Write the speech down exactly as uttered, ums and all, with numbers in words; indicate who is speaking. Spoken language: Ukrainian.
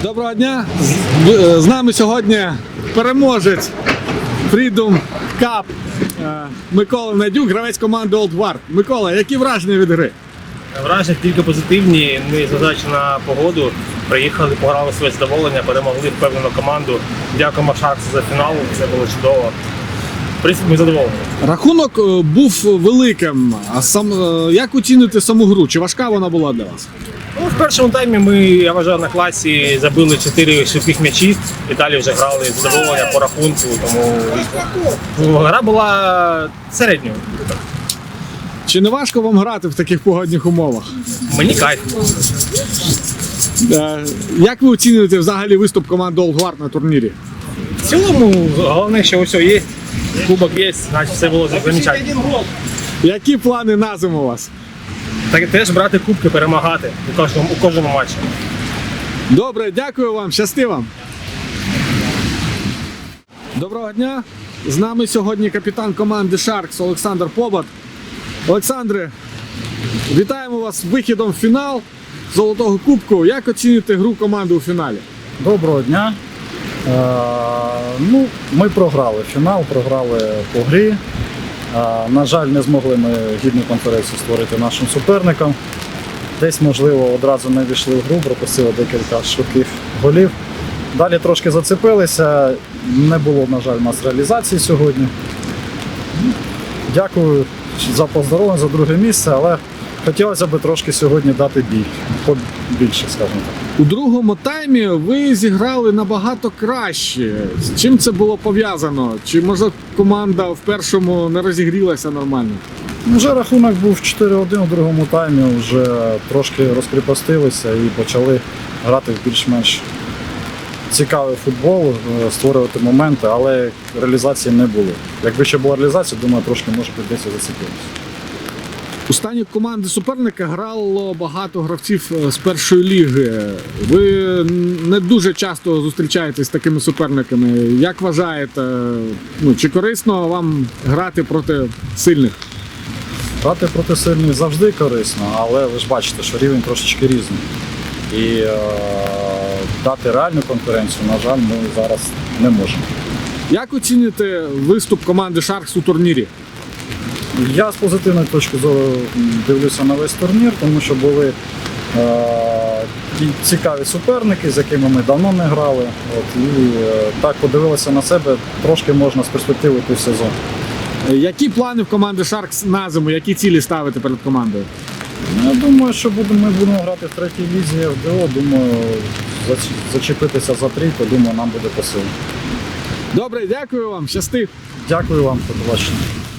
Speaker 1: Доброго дня! З, з нами сьогодні переможець Freedom Cup Микола Надюк, гравець команди Old Guard. Микола, які враження від гри?
Speaker 2: Враження тільки позитивні, незважаючи на погоду. Приїхали, пограли своє задоволення, перемогли впевнену команду. Дякуємо Шарксу за фінал, це було чудово. В принципі, ми задоволені.
Speaker 1: Рахунок був великим. А сам як оцінити саму гру? Чи важка вона була для вас?
Speaker 2: Ну, в першому таймі ми, я вважаю, на класі забили чотири швидких м'ячі. І далі вже грали з задоволення по рахунку, тому гра була середньою.
Speaker 1: Чи не важко вам грати в таких погодних умовах?
Speaker 2: Мені кайф.
Speaker 1: Як ви оцінюєте взагалі виступ команди Old Guard на турнірі?
Speaker 2: В цілому, головне, що усе є, кубок є, значить все було замечательно.
Speaker 1: Які плани на зиму у вас?
Speaker 2: Так теж брати кубки, перемагати у кожному, у кожному матчі.
Speaker 1: Добре, дякую вам, щасти вам. Доброго дня. З нами сьогодні капітан команди Sharks Олександр Побат. Олександре, вітаємо вас з вихідом в фінал Золотого Кубку. Як оцінюєте гру команди у фіналі?
Speaker 3: Доброго дня. Е, ну, ми програли фінал, програли по грі. Е, на жаль, не змогли ми гідну конференцію створити нашим суперникам. Десь, можливо, одразу не війшли в гру, пропустили декілька швидких голів. Далі трошки зацепилися, не було, на жаль, у нас реалізації сьогодні. Дякую за поздоровлення, за друге місце, але хотілося б трошки сьогодні дати бій, побільше, скажімо так.
Speaker 1: У другому таймі ви зіграли набагато краще. З чим це було пов'язано? Чи, може, команда в першому не розігрілася нормально?
Speaker 3: Вже рахунок був чотири один у другому таймі, вже трошки розкріпостилися і почали грати в більш-менш цікавий футбол, створювати моменти, але реалізації не було. Якби ще була реалізація, думаю, трошки, може, десь зацепилося.
Speaker 1: У стані команди суперника грало багато гравців з першої ліги. Ви не дуже часто зустрічаєтесь з такими суперниками. Як вважаєте, ну, чи корисно вам грати проти сильних?
Speaker 3: Грати проти сильних завжди корисно, але ви ж бачите, що рівень трошечки різний. І е, дати реальну конкуренцію, на жаль, ми зараз не можемо.
Speaker 1: Як оціните виступ команди Sharks у турнірі?
Speaker 3: Я з позитивної точки зору дивлюся на весь турнір, тому що були е, цікаві суперники, з якими ми давно не грали. От, і е, так подивилися на себе, трошки можна з перспективи той сезон.
Speaker 1: Які плани в команди Sharks на зиму? Які цілі ставити перед командою?
Speaker 3: Я думаю, що будемо, ми будемо грати в третій лізі еф де о. Думаю, зачепитися за трійку, думаю, нам буде по силі.
Speaker 1: Добре, дякую вам, щасти.
Speaker 3: Дякую вам, до побачення.